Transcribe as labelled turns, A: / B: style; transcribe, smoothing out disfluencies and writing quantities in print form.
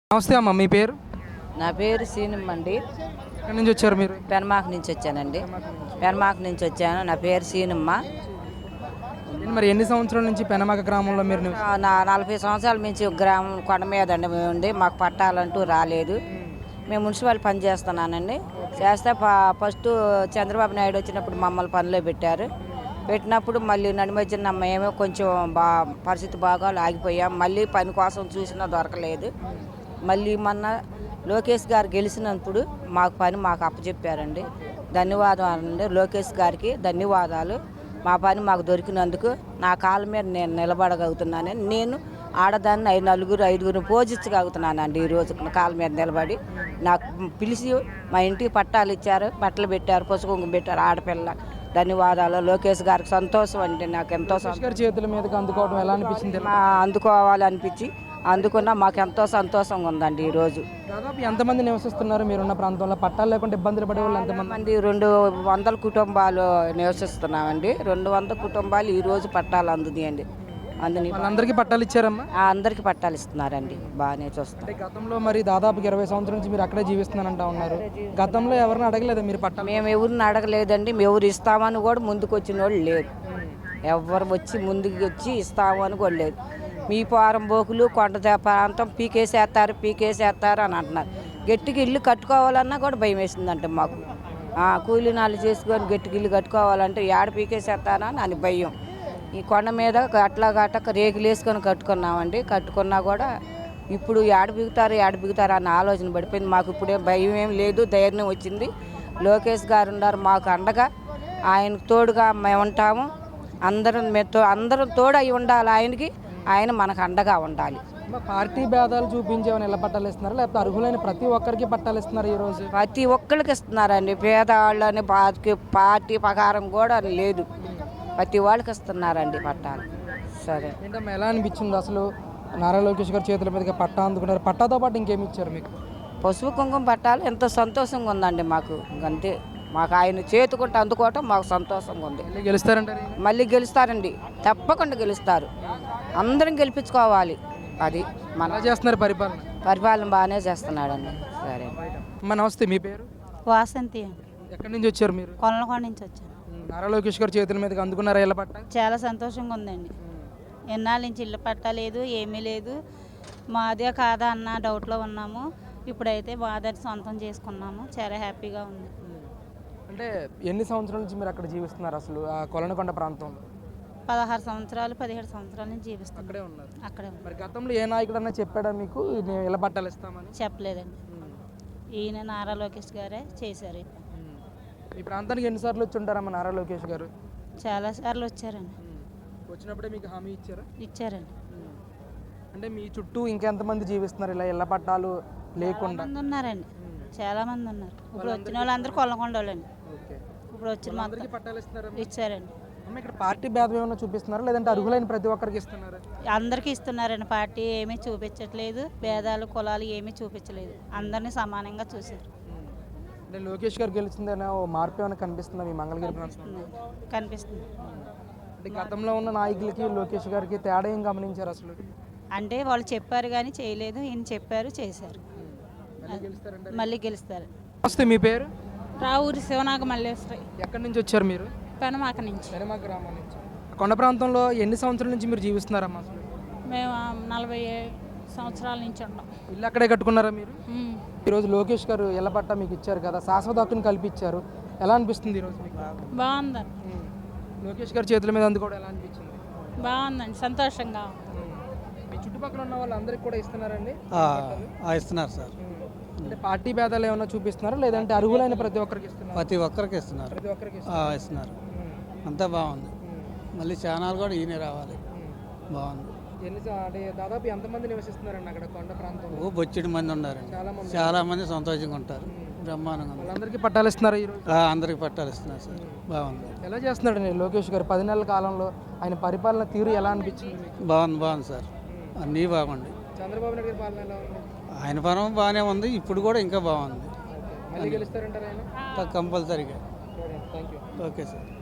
A: నమస్తే అమ్మ, మీ పేరు?
B: నా పేరు సీనమ్మ అండి.
A: ఎక్కడి నుంచి వచ్చారు మీరు?
B: పెనమాక నుంచి వచ్చానండి. పెనమాక నుంచి వచ్చాను. నా పేరు సీనమ్మ.
A: మరి ఎన్ని సంవత్సరాల నుంచి పెనమాక గ్రామంలో మీరు
B: నా 40 సంవత్సరాల నుంచి గ్రామం కొండ మీద అండి మేము ఉండి, మాకు పట్టాలంటూ రాలేదు. మేము మున్సిపల్ పని చేస్తున్నానండి. చేస్తే ఫస్ట్ చంద్రబాబు నాయుడు వచ్చినప్పుడు మమ్మల్ని పనిలో పెట్టారు. పెట్టినప్పుడు మళ్ళీ నడిమధ్యన మేమే కొంచెం పరిస్థితి బాగా ఆగిపోయాం. మళ్ళీ పని కోసం చూసినా దొరకలేదు. మళ్ళీ మొన్న లోకేష్ గారు గెలిచినప్పుడు మాకు పని మాకు అప్పచెప్పారండి. ధన్యవాదాలు అండి లోకేష్ గారికి, ధన్యవాదాలు. మా పని మాకు దొరికినందుకు నా కాళ్ళ మీద నేను నిలబడగలుగుతున్నానని, నేను ఆడదాన్ని నలుగురు ఐదుగురు పోజించగలుగుతున్నానండి. ఈరోజు నా కాళ్ళ మీద నిలబడి నాకు పిలిచి మా ఇంటికి పట్టాలు ఇచ్చారు, బట్టలు పెట్టారు, పసుపు కుంకుమ పెట్టారు. ఆడపిల్ల ధన్యవాదాలు. లోకేష్ గారికి సంతోషం అండి. నాకు ఎంతో
A: చేతుల మీదకి అందుకోవడం ఎలా అనిపించింది?
B: అందుకోవాలనిపించి అందుకున్నా మాకు ఎంతో సంతోషంగా ఉందండి. ఈరోజు
A: దాదాపు ఎంతమంది నివసిస్తున్నారు మీరున్న ప్రాంతంలో? పట్టాలు లేకుండా ఇబ్బందులు పడే వాళ్ళు ఎంతమంది?
B: 200 కుటుంబాలు నివసిస్తున్నామండి. 200 కుటుంబాలు ఈరోజు పట్టాలు అందుతాయండి.
A: అందరికీ పట్టాలు ఇచ్చారమ్మా?
B: అందరికీ పట్టాలు ఇస్తున్నారండి. బాగానే చూస్తాం.
A: గతంలో మరి దాదాపు 20 సంవత్సరాల నుంచి మీరు అక్కడే జీవిస్తున్నానంటా ఉన్నారు. గతంలో ఎవరిని అడగలేదా మీరు పట్టాలు?
B: మేము ఎవరిని అడగలేదండి. మేము ఎవరు ఇస్తామని కూడా ముందుకు వచ్చిన వాళ్ళు లేరు. ఎవరు వచ్చి ముందుకు వచ్చి ఇస్తామని కూడా లేదు. మీ పారం బోకులు కొండ ప్రాంతం పీకేసేస్తారు అని అంటున్నారు. గట్టికి ఇల్లు కట్టుకోవాలన్నా కూడా భయం వేసిందంటే మాకు. కూలీ నాలు చేసుకొని గట్టికి ఇల్లు కట్టుకోవాలంటే ఏడ పీకేసేస్తారా అని భయం. ఈ కొండ మీద అట్లా గట్టక రేకులు వేసుకొని కట్టుకున్నామండి. కట్టుకున్నా కూడా ఇప్పుడు ఏడ బిగుతారు అన్న ఆలోచన పడిపోయింది. మాకు ఇప్పుడే భయం ఏం లేదు, ధైర్యం వచ్చింది. లోకేష్ గారు ఉన్నారు మాకు అండగా. ఆయనకు తోడుగా మేము ఉంటాము. అందరం తోడు అయి ఉండాలి ఆయనకి. ఆయన మనకు అండగా ఉండాలి.
A: పార్టీ భేదాలు చూపించేవని ఎలా పట్టాలు ఇస్తున్నారు, లేకపోతే అర్హులైన ప్రతి ఒక్కరికి పట్టాలు ఇస్తున్నారు? ఈరోజు
B: ప్రతి ఒక్కరికి ఇస్తున్నారండి. పేదవాళ్ళని పార్టీ ప్రకారం కూడా లేదు, ప్రతి వాళ్ళకి ఇస్తున్నారండి పట్టాలు. సరే
A: ఏంటమ్మా, ఎలా అనిపించింది అసలు? నారా లోకేష్ గారు చేతుల మీదుగా పట్టా అందుకున్నారు. పట్టాతో పాటు ఇంకేమి ఇచ్చారు మీకు?
B: పసుపు కుంకుమ పట్టాలు ఎంతో సంతోషంగా ఉందండి మాకు. అంతే, మాకు ఆయన చేతుకుంటే అందుకోవటం మాకు సంతోషంగా ఉంది.
A: గెలుస్తారంటారు?
B: మళ్ళీ గెలుస్తారండి, తప్పకుండా గెలుస్తారు. అందరం గెలిపించుకోవాలి. అది మన
A: చేస్తున్నారు.
B: పరిపాలన బాగానే చేస్తున్నాడండి. సరే
A: అమ్మ, నమస్తే. మీ పేరు?
C: వాసంతి.
A: ఎక్కడి నుంచి వచ్చారు మీరు?
C: కొల్లకొండ నుంచి వచ్చాను.
A: నారా లోకేష్ గారు చేతుల మీదకి అందుకున్నారా ఇళ్ళ పట్ట?
C: చాలా సంతోషంగా ఉందండి. ఎన్నాళ్ళ నుంచి ఇళ్ళ పట్ట లేదు, ఏమీ లేదు. మాదే కాదా అన్న డౌట్లో ఉన్నాము. ఇప్పుడైతే మాదని సొంతం చేసుకున్నాము. చాలా హ్యాపీగా ఉంది.
A: అంటే ఎన్ని సంవత్సరాల నుంచి మీరు అక్కడ జీవిస్తున్నారు అసలు ఆ కొలనకొండ ప్రాంతంలో?
C: 16 సంవత్సరాలు 17 సంవత్సరాల నుంచి జీవిస్తాం.
A: అక్కడే ఉన్నారు.
C: అక్కడే
A: మరి గతంలో ఏ నాయకుడన్నా చెప్పాడా మీకు మేము ఇళ్ళ పట్టాలు ఇస్తామని?
C: చెప్పలేదండి. ఈయన నారా లోకేష్ గారే చేశారు.
A: ఈ ప్రాంతానికి ఎన్నిసార్లు వచ్చి ఉంటారమ్మా నారా లోకేష్ గారు?
C: చాలా సార్లు వచ్చారండి.
A: వచ్చినప్పుడే మీకు హామీ ఇచ్చారా?
C: ఇచ్చారండి.
A: అంటే మీ చుట్టూ ఇంకెంతమంది జీవిస్తున్నారు ఇలా ఇళ్ళ పట్టాలు లేకుండా?
C: ఉన్నారండి, చాలా మంది ఉన్నారు. ఇప్పుడు వచ్చిన వాళ్ళందరూ కొల్లకొండ వాళ్ళండి. ఇప్పుడు వచ్చిన
A: అందరికీ పట్టాలు ఇస్తారా?
C: ఇచ్చారండి.
A: ఇక్కడ పార్టీ భేదం ఏమైనా చూపిస్తున్నారా, లేదంటే అర్హులైన ప్రతి ఒక్కరికి ఇస్తున్నారా?
C: అందరికీ ఇస్తున్నారండి. పార్టీ ఏమీ చూపించట్లేదు, భేదాలు కులాలు ఏమీ చూపించలేదు. అందరినీ సమానంగా చూశారు.
A: అంటే లోకేష్ గారు గెలిచిందనే ఓ మార్పు ఏమైనా కనిపిస్తుందా మీ మంగళగిరి ప్రాంతంలో?
C: కనిపిస్తుంది.
A: అంటే గతంలో ఉన్న నాయకులకి లోకేష్ గారికి తేడా ఏం గమనించారు అసలు?
C: అంటే వాళ్ళు చెప్పారు కానీ చేయలేదు, ఈయన చెప్పారు చేశారు. మళ్ళీ గెలుస్తారు.
A: వస్తే మీ పేరు?
D: రావూరి శివనాగ మల్లేశ్వరి.
A: ఎక్కడి నుంచి వచ్చారు మీరు?
D: పెనమాక నుంచి.
A: పెనమాక గ్రామం నుంచి. కొండ ప్రాంతంలో ఎన్ని సంవత్సరాల నుంచి మీరు జీవిస్తున్నారమ్మా అసలు?
D: మేము 40 సంవత్సరాల నుంచి ఉంటాం.
A: ఇల్లు అక్కడే కట్టుకున్నారా మీరు? ఈరోజు లోకేష్ గారు ఇళ్ళ పట్టా మీకు ఇచ్చారు కదా, శాశ్వత హక్కుని కల్పించారు. ఎలా అనిపిస్తుంది ఈరోజు మీకు?
D: బాగుందండి.
A: లోకేష్ గారి చేతుల మీద అందుకోవడం ఎలా అనిపించింది?
D: బాగుందండి, సంతోషంగా.
A: మీ చుట్టుపక్కల ఉన్న వాళ్ళందరికీ కూడా ఇస్తున్నారండి?
E: ఇస్తున్నారు సార్.
A: అంటే పార్టీ భేదాలు ఏమైనా చూపిస్తున్నారా, లేదంటే అర్హులైన ప్రతి ఒక్కరికి ఇస్తున్నారు?
E: ప్రతి ఒక్కరికి ఇస్తున్నారు. ఇస్తున్నారు. అంతా బాగుంది. మళ్ళీ ఛానల్ కూడా ఈయనే రావాలి. బాగుంది.
A: అంటే దాదాపు ఎంతమంది నివసిస్తున్నారండి అక్కడ కొండ ప్రాంతంలో?
E: బొచ్చెడు మంది ఉన్నారండి. చాలా మంది సంతోషంగా ఉంటారు. బ్రహ్మాండంగా ఉంది.
A: అందరికీ పట్టాలు ఇస్తున్నారు ఈరోజు?
E: అందరికి పట్టాలు ఇస్తున్నారు సార్. బాగుంది.
A: ఎలా చేస్తున్నాడు లోకేష్ గారు 10 నెలల కాలంలో? ఆయన పరిపాలన తీరు ఎలా అనిపించింది?
E: బాగుంది సార్. అన్నీ బాగుంది.
A: చంద్రబాబు నాయుడు గారి పాలన ఎలా ఉంది?
E: ఆయన పరం బాగానే ఉంది. ఇప్పుడు కూడా ఇంకా బాగుంది.
A: మళ్ళీ గెలుస్తారంటారు ఆయన?
E: కంపల్సరీగా.
A: Thank you.
E: Okay sir.